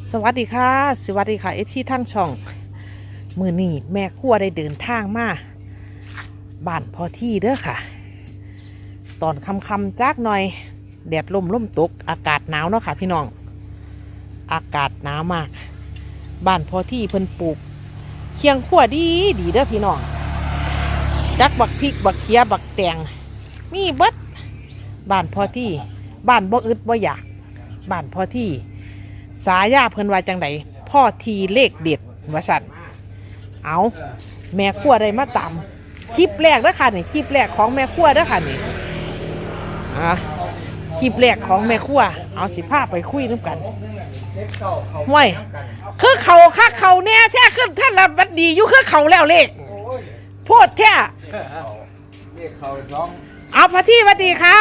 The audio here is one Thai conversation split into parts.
สวัสดีค่ะสวัสดีค่ะทั้งช่องมือนี่แม่ครัวได้เดินทางมาบ้านพอที่เด้อค่ะตอนค่ำๆจักหน่อยแดดลมตกอากาศหนาวเนาะค่ะพี่น้องอากาศหนาวมากบ้านพอที่เพิ่นปลูกเคียงครัวดีเด้อพี่น้องจักบักพริกบักเขียบักแตงมีเบิดบ้านพอที่บ้านบ่อึดบ่อยากบ้านพอที่สายาเพิ่นว่าจังไดพ่อทีเลขเด็ดว่าสั่นเอาแม่ครัวได้มาตามคลิปแรกเด้อค่ะนี่คลิปแรกของแม่ครัวเด้อค่ะนี่คลิปแรกของแม่ครัวเอาสิพาไปคุยนำกันห่วยคือเขาเนี่ยแท้ขึ้นท่านละบัดดีอยู่คือเขาแล้วเลขโพดแท้เอาพระที่วัดดีค่ะ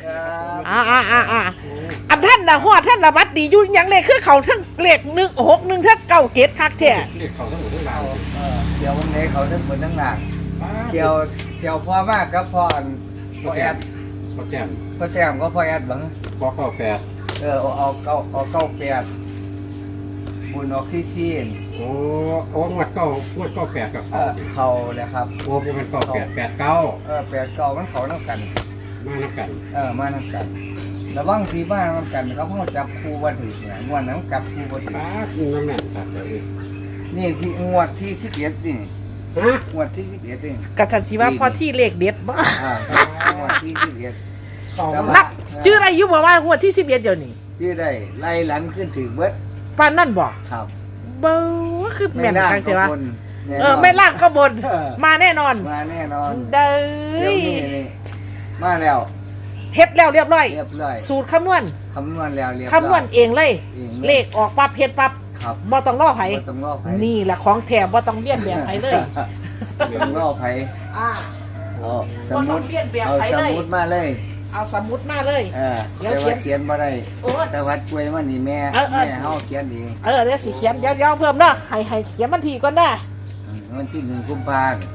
อันท่านนะฮอดท่านละบัดดีอยู่ยังเลขคือเขาทั้งเลข161ทั้ง9คักแท้เลขเขาทั้งหมดทั้งหลังเกี่ยววันนี้เขาทั้งหมดทั้งหลังเกี่ยวพ่อมากกับพ่อแอดพ่อแจมก็พ่อแอดบังพ่อ8เอา98บุญออกที่ซีนโอ้งวด8กับเขาเลยครับโอ้เป็น89มันเขาน้ำกันมาน้ำกันระวังที่บ้านน้ำกันเขาพ่อจับคู่บันทึกเนี่ยงวดน้ำกับคู่บันทึกน้ำแน่นครับนี่ที่งวดที่11นี่งวดที่11นี่กระทันชีว่าพอที่เลขเด็ดบ้งวดที่11 นักชื่ออะไรยุบบอกว่างวดที่11เดี๋ยวนี้ชื่อได้ไล่หลังขึ้นถึงเบิดปานนั่นบอกครับเบอร์คือแม่นทางเทวะไม่ล่างก็บนมาแน่นอนเด้อมาแล้วเฮ็ดแล้วเรียบร้อยสูตรคำนวณแล้วคำนวณเองเลยเลขออกปั๊บเฮ็ดปั๊บบ่ต้องรอไผนี่แหละของแถมบ่ต้องเลียนแบบไผเลยต้องรอไผเอาสมุดมาเลยเอาสมุดมาเลยแต่ว่าเขียนมาได้แต่วัดกล้วยมันนี่แม่เฮาเขียนเองเดี๋ยวสิเขียนเดี๋ยวเพิ่มเนาะให้เขียนวันที่ก่อนนะวันที่1 กุมภาพันธ์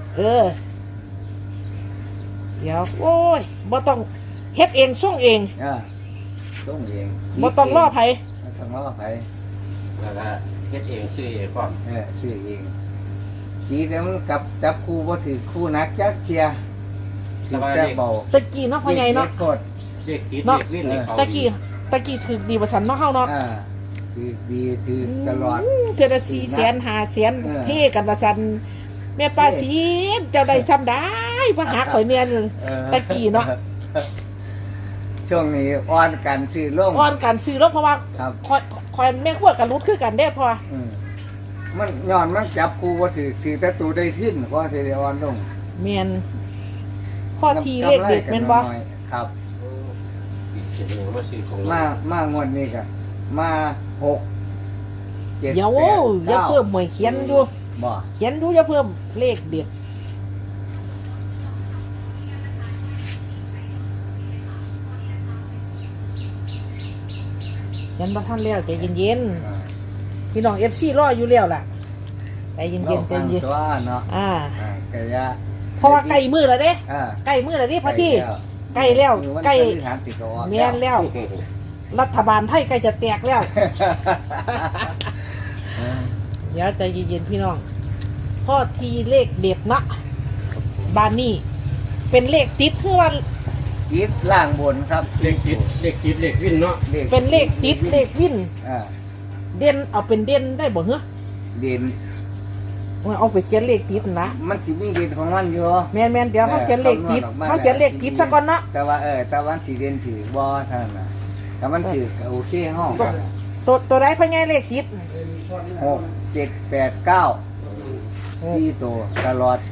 เดี๋ยวโอ้ยบ่ต้องเฮ็ดเองส่งเองบ่ต้องรอไผแล้วก็เฮ็ดเองซื้อเองพร้อมซื้อเองทีแต่มันกับจับคู่บ่ถือคู่นักจักเทียจะเบาตะกี้เนาะพ่อใหญ่เนาะเนาะตะกี้ถือดีบ่ซั่นเนาะเฮาเนาะถือตลอดเทื่อละ400,000 500,000เฮกันว่าซั่นแม่ป้าศรีเจ้าได้ซ้ำได้มาหาข่อยเนี่ยตะกี้เนาะช่วงนี้อ่อนกันซื้อลงเพราะว่าคอยแม่ครัวกันรุดคือกันได้พอมันย้อนมันจับกูว่าถือแต่ตูได้ขึ้นก็สิได้อ่อนลงเมียนพ่อทีเลขเด็ดแม่นบ่ครับมางวดนี้ก็มา6 7 8 9 อย่าเพิ่มหมวยเขียนอยู่เขียนดูอย่าเพิ่มเลขเด็ดยันบ่ทันแล้วใจเย็นๆพี่น้อง FC รออยู่แล้วล่ะใจเย็นๆใจเย็นเนาะกะยะเพราะว่าใกล้มื้อแล้วเด้ใกล้มื้อแล้วนี่พอที่ใกล้แล้วใกล้แม่นแล้วรัฐบาลไทยใกล้จะแตกแล้วเดี๋ยวใจเย็นๆพี่น้องพ่อทีเลขเด็ดนะบ้านนี้เป็นเลขติดคือว่าติดล่างบนครับเลขติดเลขวินเนาะเป็นเลขติดเลขวินเด่นเอาเป็นเด่นได้บ่เหรอเด่นเอาไปเขียนเลขติดนะมันสิมีเด่นของมันอยู่แม่นเดี๋ยวเขาเขียนเลขติดซะก่อนเนาะแต่ว่าแต่วันสิเด่นถือบ่เท่านั้นนะแต่มันถือโอเคห้องตัวใดพ่อใหญ่เลขติด 6 7 8 9ที่ตัวตลอด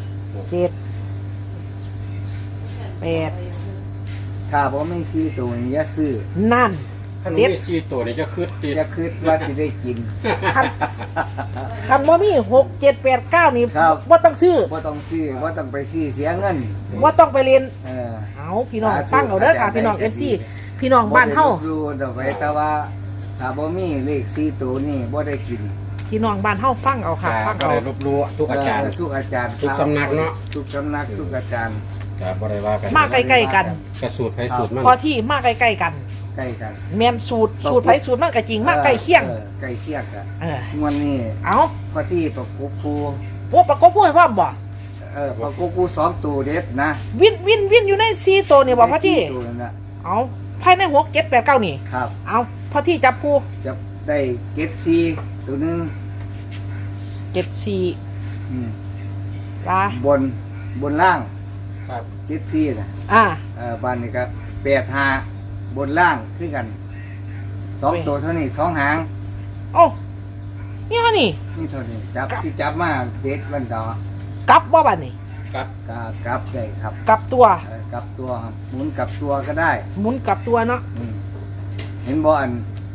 7 8 ถ้าบ่มีที่ตัวนี้อย่าซื้อนั่นเด็ดที่ตัวนี้จะคืดว่าสิได้กินคันบ่มี6 7 8 9นี่บ่ต้องซื้อบ่ต้องไปซื้อเสียเงินบ่ต้องไปเรียนเอาพี่น้องฟังเอาเด้อค่ะพี่น้อง FC พี่น้องบ้านเฮาดูดอกไว้แต่ว่าถ้าบ่มีเลข4ตัวนี่บ่ได้กินพี่น้องบ้านเฮาฟังเอาค่ะฟังเอารบรู้ทุกอาจารย์ทุกสำนักเนาะทุกสำนักทุกอาจารย์บ่ได้ว่ากันมาใกล้ๆกันกระสูตรไผสูตรมันพอที่มาใกล้ๆกันใกล้กันแม่นสูตรไผสูตรมันก็จริงมากใกล้เคียงใกล้เคียงกันเอองวันนี้เอาพอที่ประกบครูพวกประกบผู้ให้พร้อมบ่ประกบครู2ตัวเด็ดนะวินอยู่ใน4ตัวนี่บ่พ่อที่ตัวนั่นน่ะเอาภายใน6 7 8 9นี่ครับเอาพ่อที่จับคู่จะได้เก็ดซีตัวหนึง 74 อืมว่าบนล่างครับเก็ดซีนะอ่าบ้านนี้ก็85บนล่างคือกัน2ตัวเท่านี้2หางโอ้นี่ฮะนี่นี่เท่านี้จับที่จับมาเด็ดวันต่อกลับบ่บัดนี่ครับก็กลับได้ครับกลับตัวกลับตัวครับหมุนกลับตัวก็ได้หมุนกลับตัวเนาะอืมเห็นบ่อัน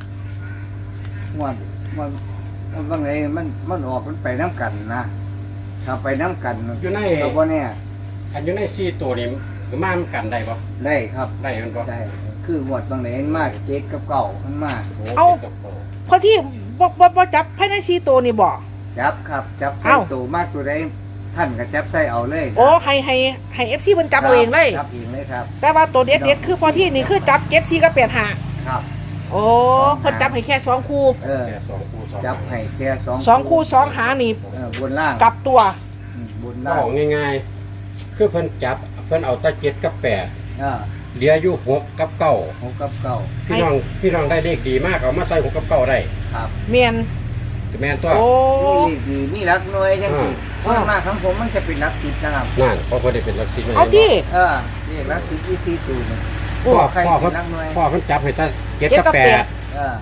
มันบางไงมันออกมันไปน้ำกันนะถ้าไปน้ำกันอยู่ในก็บ่แน่อันอยู่ใน4ตัวนี่คือมากันได้บ่ได้ครับได้มันบ่ได้คือหมวดบางไหนมากเจ็ดกับเก่ามันมากโอ้พ่อที่บ่จับภายใน4ตัวนี่บ่จับครับจับใส่เอ้าตัวมากตัวใดท่านก็จับใส่เอาเลยนะโอ้ให้ FC เพิ่นจับเอาเองเลยจับเองเลยครับแต่ว่าตัวเด็ดๆคือพ่อที่นี่คือจับ74กับ85 ครับโอ้เพิ่นจับให้แค่2คู่เออแค่2คู่2 จับให้แค่ 2คู่2หางนี่บนล่างกลับตัวบนล่างเอาง่ายๆคือเพิ่นจับเพิ่นเอาแตะ7กับ8 เหลืออยู่6กับ9 6กับเก่าพี่น้องได้เลขดีมากเอามาใส่6กับ9ได้ครับเมียนแม่นตัวโอ้นี่ดีนี่รักหน่วยจังสิส่วนมากของผมมันจะเป็นรักสิบนะครับนั่นเขาบ่ได้เป็นลักษิณเอาที่นี่รักสิบ24ตัวนี่พ่อใครพ่อเป็เพิ่นนรักหน่วยพ่อเพิ่นจับให้แตะ7 7 กับกับ 8 เออ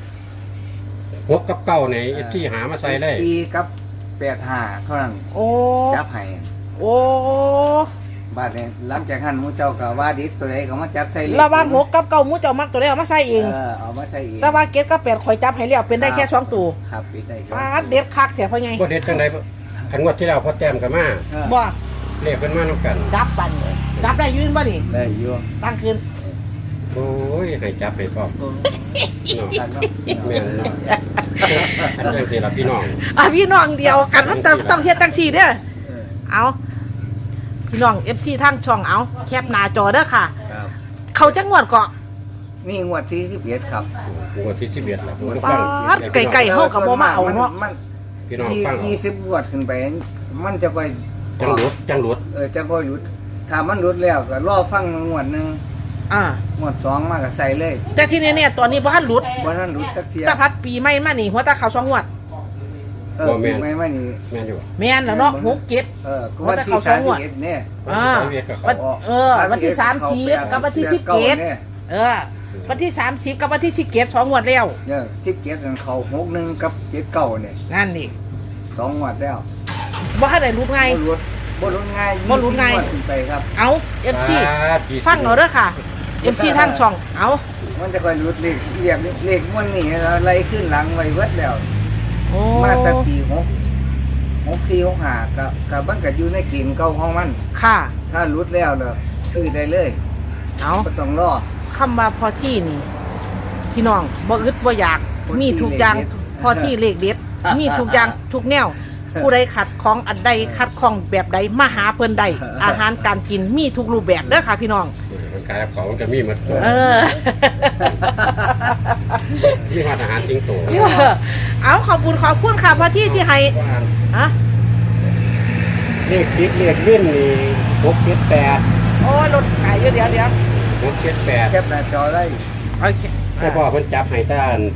6กับ9นี่ที่หามาใส่ได้ 4กับ85เท่านั้นโอ้จับให้โอ้บาดนี้หลังจากนั้นหมูเจ้าก็ว่าดิตัวใดก็มาจับใส่เลขระหว่าง6กับ9หมูเจ้ามักตัวใดเอามาใส่เองเอามาใส่เองแต่ว่า7กับ8ข่อยจับให้แล้วเป็นได้แค่2ตัวครับเป็นได้ครับปาดเด็ดคักแท้พ่อใหญ่บ่เด็ดจังได๋อันงวดที่แล้วพอแต้มก็มาบ่บ่เลขเพิ่นมานํกันจับปันเลยจับได้อยืนบ่นี่ได้อยู่ตั้งคืนโอ้ยให้จับไปพร้อมเนาะจัดเนาะแม่นเนาะอันจังซี่ล่ะพี่น้องพี่น้องเดียวกันมันต้องเฮ็ดจังซี่เด้อเออเอาพี่น้อง FC ทางช่องเอาแคปหน้าจอเด้อค่ะครับเขาจังหวัดเกาะนี่งวดที่11ครับงวดที่11ล่ะผมปาดไก่ๆเฮาก็บ่มาเอาเนาะมันพี่น้องฟังเอา 20งวดขึ้นไป มันจะไปจังหลุดจะบ่หยุดถ้ามันหยุดแล้วก็รอฟังงวดหนึงอ่างวด2มาก็ใส่เลยแต่ที่เนี่ยตอนนี้บ่ทันหลุดบ่ทันหยุดจักเที่ยตะพัดปีใหม่มานี่หัวตาเขา2งวดปีใหม่มานี่แม่นอยู่แม่นแล้วเนาะ6 7 ก็วันที่31เนี่ยอ่า วันที่30กับวันที่17วันที่30กับวันที่17 2งวดแล้วเนี่ย17นั่นเข้า61กับ79เนี่ยนั่นนี่ 2งวดแล้วบ่ทันได้หลุดไงบ่รุนง่ายบ่รุนง่าย 20งวดขึ้นไปครับเอา FC ฟังเอาเด้อค่ะ MC ทางช่องเอามันจะค่อยรุดเลขมันนี่อะไรขึ้นหลังไว้เบิดแล้วโอ้มาแต่ปี6465กับมันก็อยู่ในเกณฑ์เก่าของมันค่ะถ้ารุดแล้วเด้อซื้อได้เลยเอาบ่ต้องรอคำว่าพอที่นี่ พี่น้องบ่อึดบ่อยากพอที่มีทุกอย่างเลขเด็ดพอที่เลขเด็ด มีทุกอย่างทุกแนว ผู้ใดขัดของอันใดขัดของแบบใดมาหาเพิ่นใดอาหารการกินมีทุกรูปแบบเด้อค่ะพี่น้องมันกลายของมันก็มีหมดเออมีหอดอาหารจริงโตเอาขอบคุณค่ะพอที่ที่ให้ฮะเลขติดเลขวิ่นนี่678 โอ้ยรถขายเดี๋ยว 678 แคปหน้าจอได้โอเคแต่พ่อเพิ่นจับให้ต้าน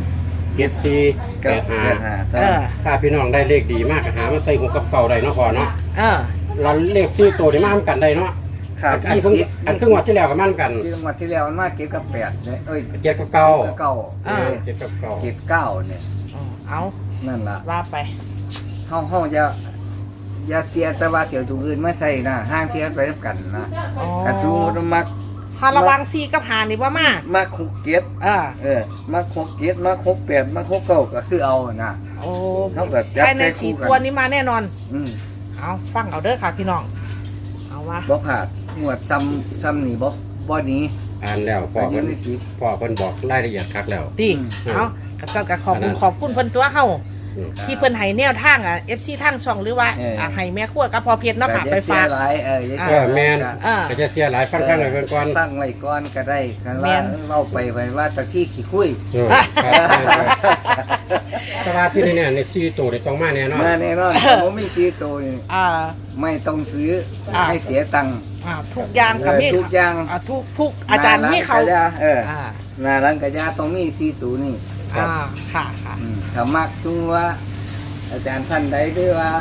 7485 เออถ้าพี่น้องได้เลขดีมากก็หามาใส่หัวกับเก่าได้เนาะพ่อเนาะเออแล้วเลข4ตัวนี่มาทำกันได้เนาะครับอันครึ่งวัดที่แล้วก็มาทำกันที่งวดที่แล้วมันมาเก็บกับ8เนี่ย 7กับ9 เก้า 7กับ9 เก็บ9เนี่ยเอานั่นล่ะว่าไปเฮาอย่าเสียแต่ว่าเสียวตัวอื่นมาใส่นะห้างเทียนไปนำกันนะอ๋อกระทูมักถ้าระวังซีกับหานี่ว่ามามักคุกเก็บ มักคุกเก็บมักคุก8มักคุก9ก็คือเอานะโอ้เท่ากับจับภายในใส่คู่สี่กันตัวนี้มาแน่นอนอืมเอาฟังเอาเด้อค่ะพี่น้อง เอาว่าบ่ขาดงวดซ้ำนี่บ่หนี้อ่านแล้วพ่ออันนี้เพิ่นในคลิปพ่อเพิ่นบอกรายละเอียดคักแล้วดีอืมเอากระซับกระขอบคุณอันนั้นขอบคุณเพิ่นตัวเฮาที่เพิ่นให้แนวทางอ่ะ FC ทางช่องหรือว่าให้แม่ครัวกับพ่อเพชรเนาะค่ะไปฝากหลายแมนก็จะเสียหลายฟังๆหน่อยก่อนตั้งไว้ก่อนก็ได้กันว่าเล่าไปว่าตะที่ขี้คุยแต่ว่าที่นี่เนี่ยในซีตัวได้ต้องมาแน่นอนมาแน่นอนผมมีซีโตนี่ไม่ต้องซื้อให้เสียตังค์ทุกอย่างกับมีทุกอย่างทุกอาจารย์มีเขาหน้าร้านกระยาต้องมีซีตูนี่ค่ะถ้ามักจุงว่า อาจารย์ท่านใดด้วยว่า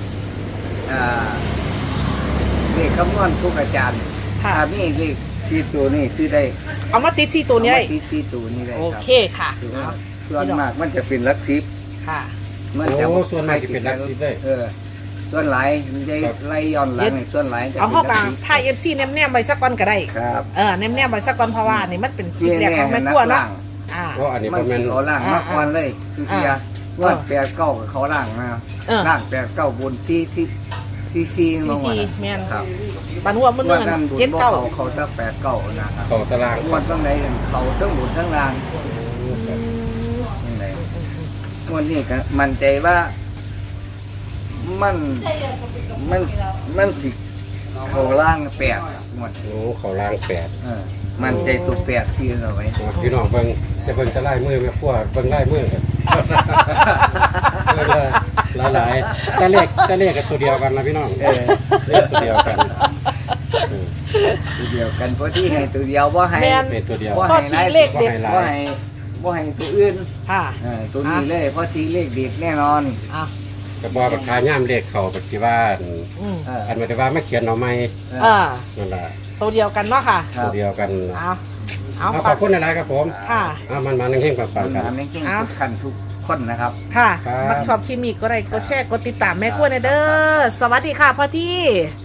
เลขคำนวณทุกอาจารย์ถ้ามีเลขซีตูนี่ซื้อได้เอามาติด4ตัวนี้ได้ติดซีตูนี่ได้โอครับเคค่ะส่วนมากมันจะเป็นลักซิปค่ะมันจะส่วนมากจะเป็นลักซิปเลยส่วนหลายมันจะไล่ย้อนหลังในส่วนหลายจะเอาเข้ากลางถ้า FC แนมๆไว้สักก่อนก็ได้ครับแนมๆไว้สักก่อนเพราะว่านี่มันเป็นคลิปแรกของแม่ครัวเนาะเพราะอันนี้มันประมาณเขาล่างมาก่อนเลยคือเสียว่าแปดเก้าเขาล่างนะล่างแปดเก้าบนซีลงมาแม่นครับบันหัวมันว่าเงินนั่นบุญเจ็ดบ่เก้าเขาจะแปดเก้านะครับต่อตารางวันตั้งไหนเขาทั้งบุญทั้งล่างยังไงวันนี้ก็มั่นใจว่ามันสิเขาล่างแปดหมดโอ้เขาล่าง8 มันใจตัวแปดที่เราไว้พี่น้องเบิ่งจะเบิ่งจะไล่มือแม่ครัวเบิ่งไล่มือกันหลายๆแต่เลขกับตัวเดียวกันนะพี่น้องเลขตัวเดียวกันตัวเดียวกันเพราะที่ให้ตัวเดียวว่าให้เป็นตัวเดียวว่าให้เลขเด็ดว่าว่าให้ให้ตัวอื่นค่ะตัวนี้เลยเพราะที่เลขเด็ดแน่นอนก็บอกราคาย่ามเลขเขาปฏิว่าอันหมายถึงว่าไม่เขียนเอาไม่นั่นแหละตัวเดียวกันเนาะค่ะตัวเดียวกันเอาขอบคุณอะไรครับผมค่ะมันนั่งเฮงปังปัๆกันนนี้ทุกขั้นทุกคนนะครับค่ะมักชอบคลิปนี้ก็ได้กดแชร์กดติดตามแม่ครัวในเด้อสวัสดีค่ะพ่อที่